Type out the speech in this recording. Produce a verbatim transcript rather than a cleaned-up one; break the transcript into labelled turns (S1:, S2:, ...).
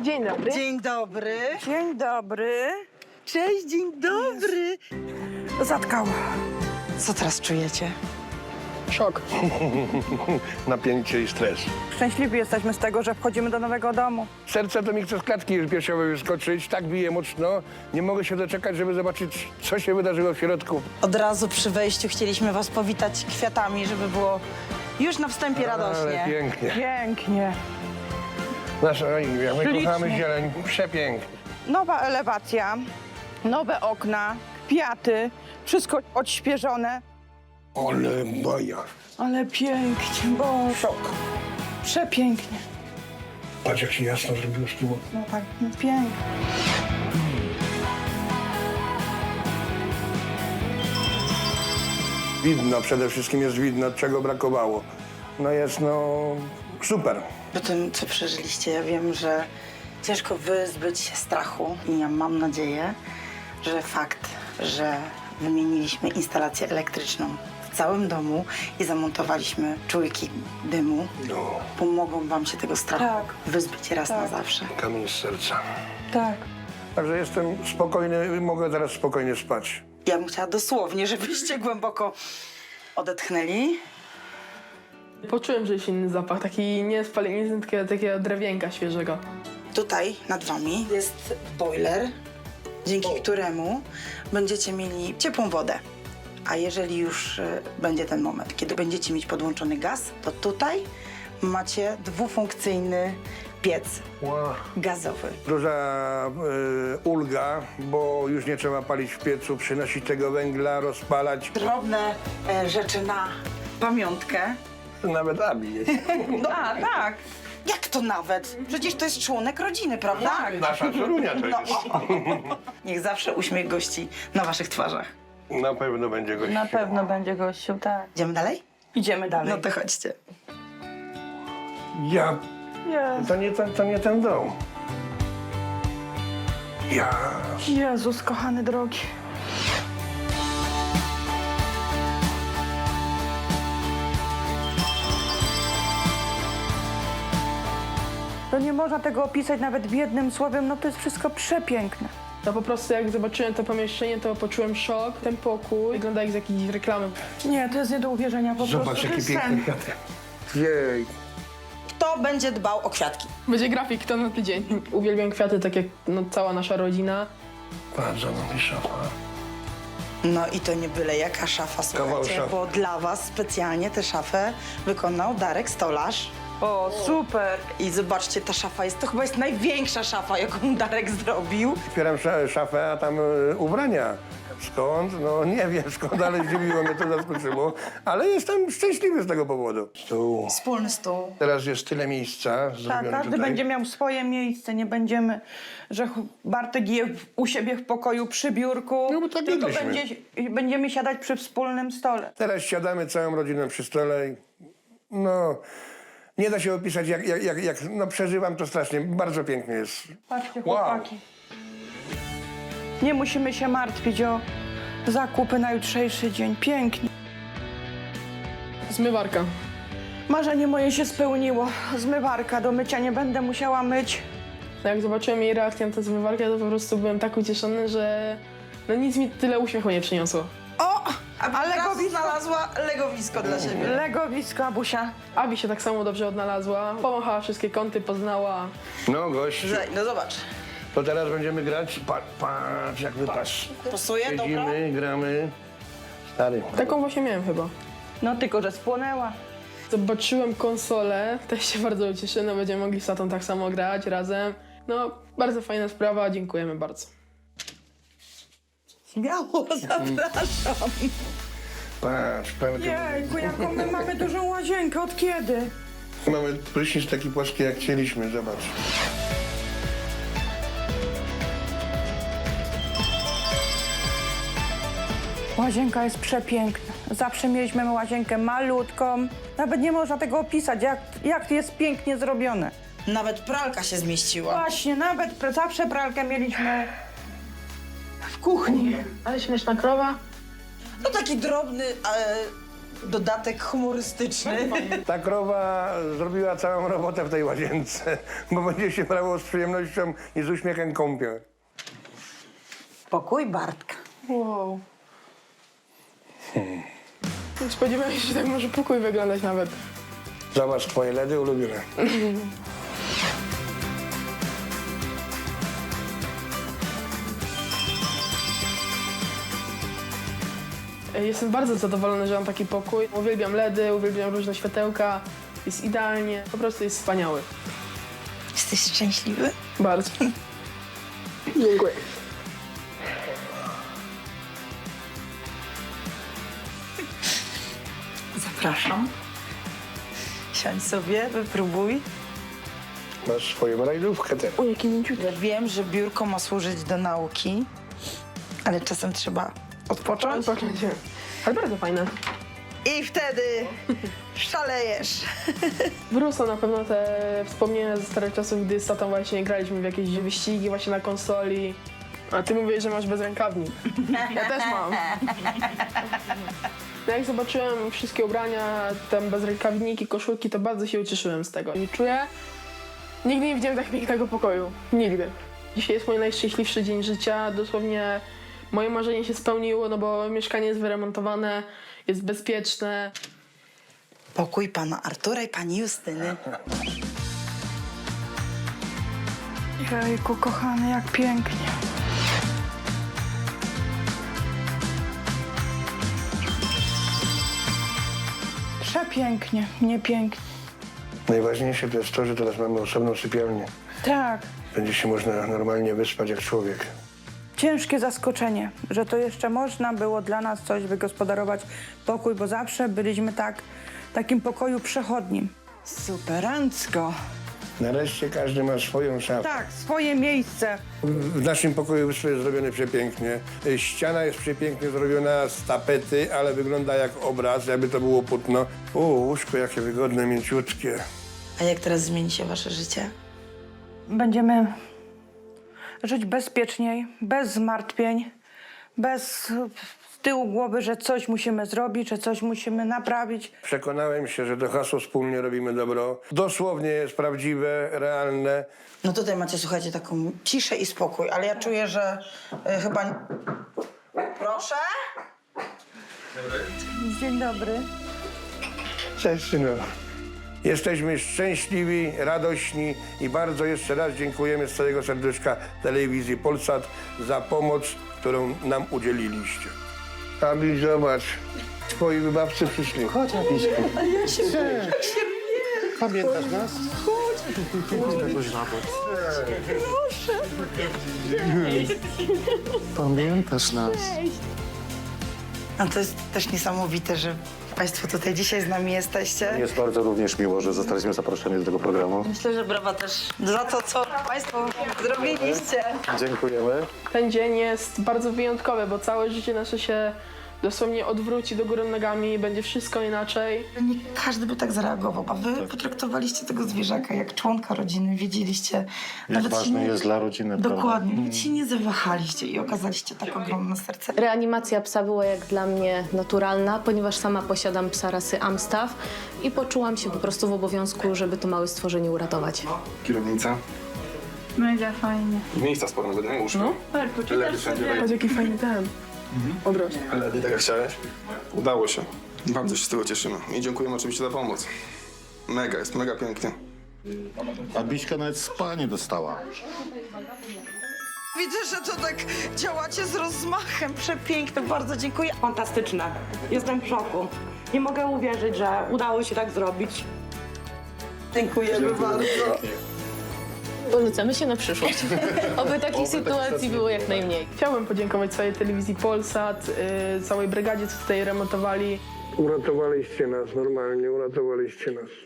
S1: Dzień dobry.
S2: Dzień dobry.
S3: Dzień dobry.
S2: Cześć, dzień dobry.
S3: Zatkało.
S2: Co teraz czujecie?
S1: Szok.
S4: Napięcie i stres.
S3: Szczęśliwi jesteśmy z tego, że wchodzimy do nowego domu.
S4: Serce to mi chce z klatki piersiowej wyskoczyć, tak bije mocno. Nie mogę się doczekać, żeby zobaczyć, co się wydarzyło w środku.
S2: Od razu przy wejściu chcieliśmy was powitać kwiatami, żeby było już na wstępie
S4: Ale
S2: radośnie.
S4: pięknie.
S3: Pięknie.
S4: Nasza, jak my
S3: Ślicznie.
S4: kochamy zieleń, przepięknie.
S3: Nowa elewacja, nowe okna, kwiaty, wszystko odświeżone.
S4: Ale baja.
S3: Ale pięknie, bo szok. Przepięknie.
S4: Patrz, jak się jasno zrobiło z tyłu.
S3: No tak, no pięknie.
S4: Widno, przede wszystkim jest widno, czego brakowało. No jest, no, super.
S2: Po tym, co przeżyliście, ja wiem, że ciężko wyzbyć się strachu i ja mam nadzieję, że fakt, że wymieniliśmy instalację elektryczną w całym domu i zamontowaliśmy czujki dymu,
S4: No,
S2: pomogą wam się tego strachu
S3: Tak.
S2: wyzbyć raz na
S3: Tak.
S2: zawsze.
S4: kamień z serca.
S3: Tak.
S4: Także jestem spokojny, mogę teraz spokojnie spać.
S2: Ja bym chciała dosłownie, żebyście głęboko odetchnęli.
S1: Poczułem, że jest inny zapach, taki nie spalenizny, tylko takiego drewienka świeżego.
S2: Tutaj nad wami jest boiler, dzięki któremu będziecie mieli ciepłą wodę. A jeżeli już e, będzie ten moment, kiedy będziecie mieć podłączony gaz, to tutaj macie dwufunkcyjny piec
S4: Wow.
S2: gazowy.
S4: Duża y, ulga, bo już nie trzeba palić w piecu, przynosić tego węgla, rozpalać.
S2: Drobne e, rzeczy na pamiątkę.
S4: Nawet Abi jest.
S2: No, a, tak. Jak to nawet? Przecież to jest członek rodziny, prawda? Tak.
S4: Nasza czorunia to jest.
S2: Niech zawsze uśmiech gości na waszych twarzach.
S4: Na pewno będzie gościu.
S3: Na pewno będzie gościu, tak.
S2: Idziemy dalej?
S3: Idziemy dalej.
S2: No to chodźcie.
S4: Ja...
S3: Jezu.
S4: To nie, ten, to nie ten dom. Ja...
S3: Jezus, kochany drogi. To nie można tego opisać nawet w jednym słowem, no to jest wszystko przepiękne.
S1: No po prostu jak zobaczyłem to pomieszczenie, to poczułem szok. Ten pokój wygląda jak z jakiejś reklamy.
S3: Nie, to jest nie do uwierzenia po
S4: Zobacz,
S3: prostu. to
S4: jaki
S3: jest
S4: piękny
S3: sen.
S4: kwiatek. Jej.
S2: Kto będzie dbał o kwiatki?
S1: Będzie grafik to na tydzień. Uwielbiam kwiaty, tak jak no, cała nasza rodzina.
S4: Bardzo nam szafa.
S2: No i to nie byle jaka szafa,
S4: Kawał
S2: słuchajcie,
S4: szafy.
S2: bo dla was specjalnie tę szafę wykonał Darek Stolarz.
S3: O, super.
S2: I zobaczcie, ta szafa jest, to chyba jest największa szafa, jaką Darek zrobił.
S4: Otwieram sza- szafę, a tam y, ubrania. Skąd? No nie wiem skąd, ale zdziwiło mnie to, zaskoczyło. Ale jestem szczęśliwy z tego powodu. Tu.
S2: Wspólny stół.
S4: Teraz jest tyle miejsca
S3: Tak,
S4: zrobione
S3: każdy
S4: tutaj.
S3: będzie miał swoje miejsce, nie będziemy, że ch- Bartek je w- u siebie w pokoju przy biurku,
S4: No bo tak
S3: tylko
S4: jedliśmy.
S3: będzie, będziemy siadać przy wspólnym stole.
S4: Teraz siadamy całą rodziną przy stole i no... Nie da się opisać, jak, jak, jak, jak no przeżywam to strasznie. Bardzo pięknie jest.
S3: Patrzcie,
S4: Wow.
S3: chłopaki. Nie musimy się martwić o zakupy na jutrzejszy dzień. Pięknie.
S1: Zmywarka.
S3: Marzenie moje się spełniło. Zmywarka do mycia nie będę musiała myć.
S1: No jak zobaczyłem jej reakcję na tę zmywarkę, to po prostu byłem tak ucieszony, że no nic mi tyle uśmiechu nie przyniosło.
S2: O! A
S3: Ale
S2: teraz
S3: legowisko.
S2: znalazła legowisko dla siebie.
S3: Legowisko, Abusia.
S1: Abi się tak samo dobrze odnalazła, pomachała wszystkie kąty, poznała.
S4: No gościu,
S2: Że- No zobacz.
S4: to teraz będziemy grać. Pa, patrz, jak wypatrz.
S2: Pasuje, dobra?
S4: Siedzimy, gramy. Stary.
S1: Taką właśnie miałem chyba.
S3: No tylko, że spłonęła.
S1: Zobaczyłem konsolę, też się bardzo ucieszę, no będziemy mogli z tatą tak samo grać razem. No, bardzo fajna sprawa, dziękujemy bardzo.
S2: Śmiało, zapraszam.
S4: Patrz, pełny.
S3: Jejku, jaką my mamy dużą łazienkę. Od kiedy?
S4: Mamy prysznic taki płaski, jak chcieliśmy, zobacz.
S3: Łazienka jest przepiękna. Zawsze mieliśmy łazienkę malutką. Nawet nie można tego opisać, jak, jak jest pięknie zrobione.
S2: Nawet pralka się zmieściła.
S3: Właśnie, nawet pra- zawsze pralkę mieliśmy w kuchni.
S1: Ale śmieszna krowa.
S2: No taki drobny, e, dodatek humorystyczny.
S4: Ta krowa zrobiła całą robotę w tej łazience, bo będzie się brało z przyjemnością i z uśmiechem kąpiel.
S2: Pokój Bartka.
S1: Wow. Nie spodziewałem się, że tak może pokój wyglądać nawet.
S4: Zobacz, twoje ledy ulubione.
S1: Jestem bardzo zadowolony, że mam taki pokój. Uwielbiam ledy, uwielbiam różne światełka. Jest idealnie, po prostu jest wspaniały.
S2: Jesteś szczęśliwy?
S1: Bardzo. Dziękuję.
S2: Zapraszam. Siądź sobie, wypróbuj.
S4: Masz swoją rajdówkę teraz.
S1: O, jaki mięciutki.
S2: Ja wiem, że biurko ma służyć do nauki, ale czasem trzeba odpocząć.
S1: Odpoczęcie. Ale bardzo fajne.
S2: I wtedy szalejesz.
S1: Wrócą na pewno te wspomnienia ze starych czasów, gdy z tatą właśnie graliśmy w jakieś wyścigi właśnie na konsoli. A ty mówisz, że masz bezrękawnik. Ja też mam. No jak zobaczyłem wszystkie ubrania, tam bezrękawniki, koszulki, to bardzo się ucieszyłem z tego. I czuję, nigdy nie widziałem tak pięknego pokoju. Nigdy. Dzisiaj jest mój najszczęśliwszy dzień życia. Dosłownie moje marzenie się spełniło, no bo mieszkanie jest wyremontowane, jest bezpieczne.
S2: Pokój pana Artura i pani Justyny.
S3: Jejku, kochany, jak pięknie. Przepięknie, nie pięknie.
S4: Najważniejsze to jest to, że teraz mamy osobną sypialnię.
S3: Tak,
S4: Będzie się można normalnie wyspać jak człowiek.
S3: ciężkie zaskoczenie, że to jeszcze można było dla nas coś wygospodarować pokój, bo zawsze byliśmy tak w takim pokoju przechodnim.
S2: Superancko.
S4: Nareszcie każdy ma swoją szafę.
S3: Tak, swoje miejsce.
S4: W naszym pokoju wszystko jest zrobione przepięknie. Ściana jest przepięknie zrobiona z tapety, ale wygląda jak obraz, jakby to było płótno. O, łóżko jakie wygodne, mięciutkie.
S2: A jak teraz zmieni się wasze życie?
S3: Będziemy żyć bezpieczniej, bez zmartwień, bez z tyłu głowy, że coś musimy zrobić, że coś musimy naprawić.
S4: Przekonałem się, że to hasło wspólnie robimy dobro. Dosłownie jest prawdziwe, realne.
S2: No tutaj macie, słuchajcie, taką ciszę i spokój, ale ja czuję, że y, chyba... Proszę?
S3: Dzień dobry.
S4: Cześć, synu. Jesteśmy szczęśliwi, radośni i bardzo jeszcze raz dziękujemy z całego serduszka telewizji Polsat za pomoc, którą nam udzieliliście. Abi, zobacz, twoi wybawcy przyszli. Chodź, Abiśku.
S5: Pamiętasz nas? Pamiętasz nas?
S2: No to jest też niesamowite, że państwo tutaj dzisiaj z nami jesteście.
S5: Jest bardzo również miło, że zostaliśmy zaproszeni do tego programu.
S2: Myślę, że brawa też za to, co państwo zrobiliście.
S5: Dziękujemy.
S1: Ten dzień jest bardzo wyjątkowy, bo całe życie nasze się dosłownie odwróci do góry nogami, będzie wszystko inaczej.
S2: Nie każdy by tak zareagował, a wy potraktowaliście tego zwierzaka jak członka rodziny, wiedzieliście.
S5: Jak
S2: się
S5: ważny
S2: nie-
S5: jest dla rodziny, prawda?
S2: Dokładnie, nawet się nie zawahaliście i okazaliście tak ogromne serce.
S6: Reanimacja psa była jak dla mnie naturalna, ponieważ sama posiadam psa rasy Amstaff i poczułam się po prostu w obowiązku, żeby to małe stworzenie uratować.
S7: Kierownica.
S3: Mega fajnie.
S7: Miejsca sporo nawet, nie? Łóżko.
S1: No.
S7: Ledy wszędzie.
S1: Patrz, jaki fajny ten obraz.
S7: Ledy, tak jak chciałeś. Udało się. Bardzo się z tego cieszymy. I dziękujemy oczywiście za pomoc. Mega, jest mega pięknie.
S5: A Biśka nawet spa nie dostała.
S2: Widzę, że to tak działacie z rozmachem. Przepiękne, bardzo dziękuję.
S8: Fantastyczne. Jestem w szoku. Nie mogę uwierzyć, że udało się tak zrobić.
S2: Dziękujemy bardzo.
S6: Polecamy się na przyszłość. Oby takich sytuacji było jak najmniej.
S1: Chciałbym podziękować całej telewizji Polsat, yy, całej brygadzie, co tutaj remontowali.
S4: Uratowaliście nas, normalnie uratowaliście nas.